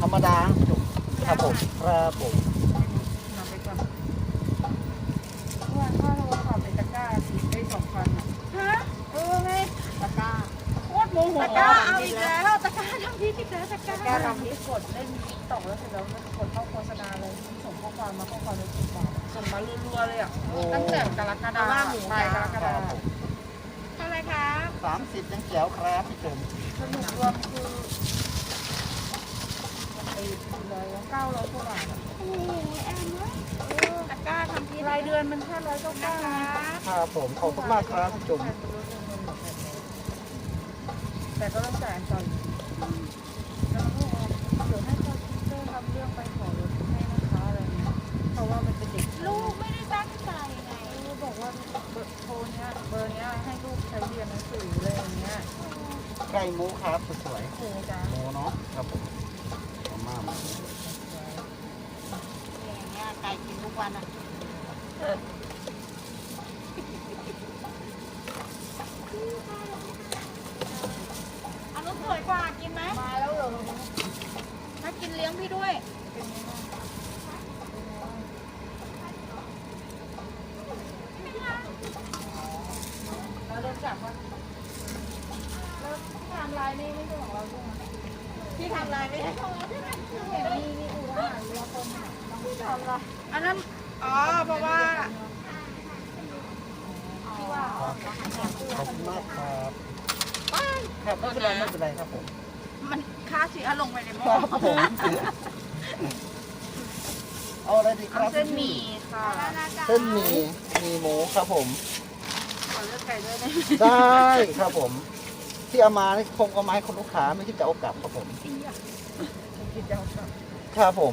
รรมดาจุกครับผมครับผมนำไปก่อนว่าถ้าเราขับในตะกร้าติดได้2,000อ่ะฮะไงตะกร้าโคตรโมโหตะกร้าเอาอีกแล้วตะกร้าทำพิษอีกแล้วตะกร้าทำพิษกดเล่นต่อแล้วเสร็จแล้วมันกดเข้าโฆษณาเลยส่งข้อความมาข้อความในกลุ่มบอกส่งมารัวๆเลยอ่ะตั้งแต่กรกฎาคมปลายกรกฎาคมเท่าไรครับ 30ยังแจ๋วครับพี่จุ๋มสรุปรวมคือไอ้900กว่าบาทอ่ะโอ้ยแอนเว้ยตะกร้าทำพิษรายเดือนมันแค่199 ครับผมขอบคุณมากครับพี่จุ๋มแต่ก็ต้องจ่ายอันก่อนแล้วก็เดี๋ยวให้คอมพิวเตอร์ทำเรื่องไปขอรถให้นะคะอะไรเงี้ยเพราะว่ามันเป็นเด็กลูกไม่ได้ตั้งใจไงบอกว่าเบอร์โทรเนี้ยเบอร์เนี้ยให้ลูกใช้เรียนหนังสืออะไรอย่างเงี้ยไก่หมูครับสวยโอ้จ้าๆหมูเนาะครับผมมาม่าอย่างเงี้ยไก่กินทุกวันอ่ะอันนู้นสวยกว่ากินไหมมาแล้วเหรอถ้ากินเลี้ยงพี่ด้วยเราโดนจับวะแล้วที่ทำลายนี่ไม่ใช่ของเราใช่ไหมที่ทำลายไม่ใช่ของเราใช่ไหมเห็นนี่อู่ทหารเรือคนน่ะต้องทำละอันนั้นอ๋อเพราะว่าที่ว่าขอบคุณมากครับครับไม่เป็นไรไม่เป็นไรครับผมมันค่าเสียลงไปในหม้คอรับผมเอาอะไรดีครับเส้นหมี่ค่ะเส้นหมี่มีหมูครับผมขอเลือกไก่ด้วยได้ได้ครับผม ที่เอามานี่คงเอามาให้คนลูกค้าไม่คิดจะเอากลับครับผมกินเจ้าค่ะครับผม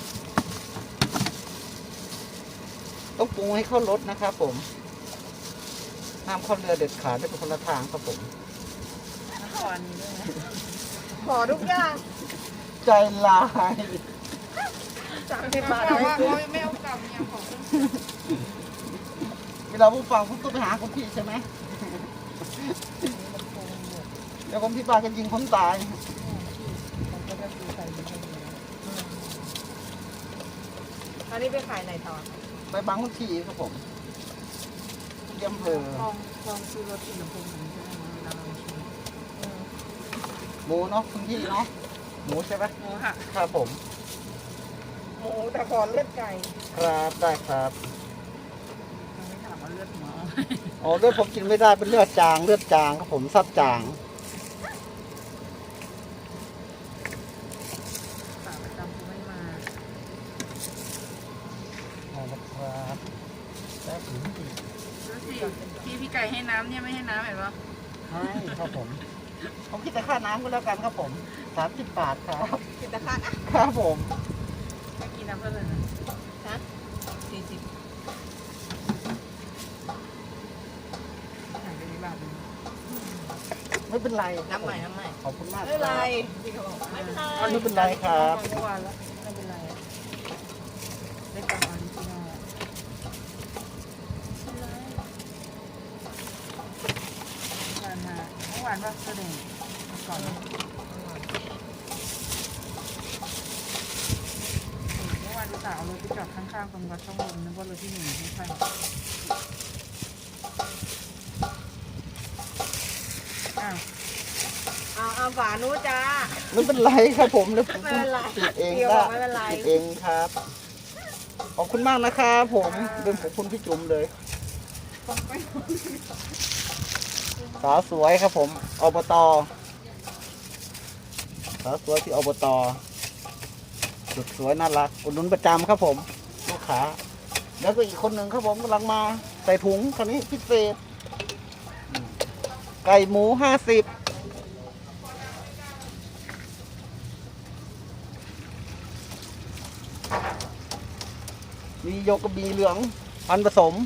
ต้องปรุงให้เข้ารสนะครับผมห้ามเข้าเรือเด็ดขาดได้เป็นคนละทางครับผมขออันนี้ด้วยนะขอทุกอย่างใจลาย 30 บาทแต่ว่าเขาไม่เอากลับเนี่ยของเวลาผู้ฟังผมต้องไปหาคนพี่ใช่ไหมเดี๋ยวคนที่บ้านกันยิงคนตายอันนี้ไปขายไหนต่อไปบางคนทีครับผมเยี่ยมเพอลองซื้อรถที่ลำโพงหนึ่งใช่ไหมเวลาเราชิมหมูเนาะคุณพี่เนาะหมูใช่ไหมหมูค่ะครับผมหมูแต่ขอเลือดไก่ครับได้ครับยังไม่ถามว่าเลือดหมูอ๋อเลือดผมกินไม่ได้เป็นเลือดจางครับผมซับจางขาประจำกูไม่มานะครับแล้วถึงที่ดูสิพี่ไก่ให้น้ำเนี่ยไม่ให้น้ำเห็นปะให้ครับผมผมคิดแต่ค่าน้ำก็แล้วกันครับผม30 บาทครับกินตะขาดอ่ะครับผมไม่กินน้ำเท่าไหร่นะฮะ40หายไปในบาทนึงไม่เป็นไรน้ำใหม่น้ำใหม่ขอบคุณมากไม่เป็นไรครับพี่เขาบอกไม่เป็นไรไม่เป็นไรครับเมื่อวานแล้วไม่เป็นไรได้กลับมาที่นอกผ่านมาเมื่อวานว่าแสดงก่อนเมื่อวานดูสาวเอารถไปจอดข้างๆตรงวัดช่องลมนึกว่ารถที่1ไม่ใช่อ้าวเอาฝานู้จ้าไม่เป็นไรครับผมเดี๋ยวผมไม่เป็นไรติดเองเดี๋ยวได้บอกไม่เป็นไรติดเองครับขอบคุณมากนะครับผมเป็นขอบคุณพี่จุ๋มเลยสาวสวยครับผมอบตสาวสวยที่อบตสุดสวยน่ารักอุดหนุนประจำครับผมลูกค้าแล้วก็อีกคนหนึ่งครับผมกำลังมาใส่ถุงคันนี้พิเศษไก่หมู50มีโยกกระบีเหลืองพันผสม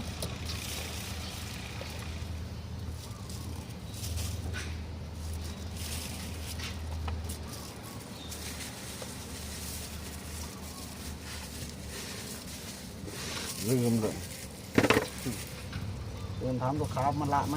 ลืมเลยเดินถามลูกค้ามันละไหม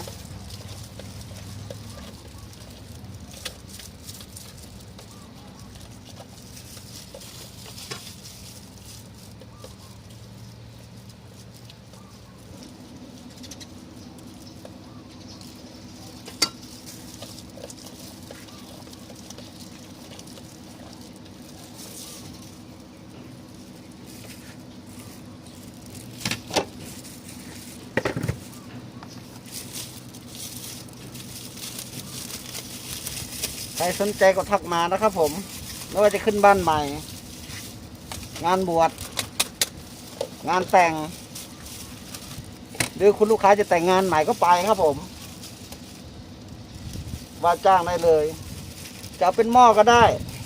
ใครสนใจก็ทักมานะครับผมไม่ว่าจะขึ้นบ้านใหม่ งานบวชงานแต่งหรือคุณลูกค้าจะแต่งงานใหม่ก็ไปครับผมว่าจ้างได้เลยจะเอาเป็นหม้อก็ได้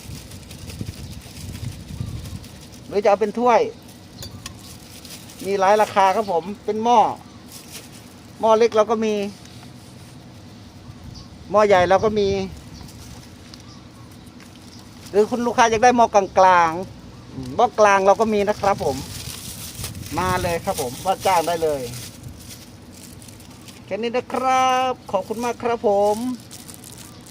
หรือจะเอาเป็นถ้วย มีหลายราคาครับผมเป็นหม้อเล็กเราก็มีหม้อใหญ่เราก็มี หรือคุณลูกค้าอยากได้หม้อกลางหม้อกลางเราก็มีนะครับผมมาเลยครับผมว่าจ้างได้เลยแค่นี้นะครับขอบคุณมากครับผม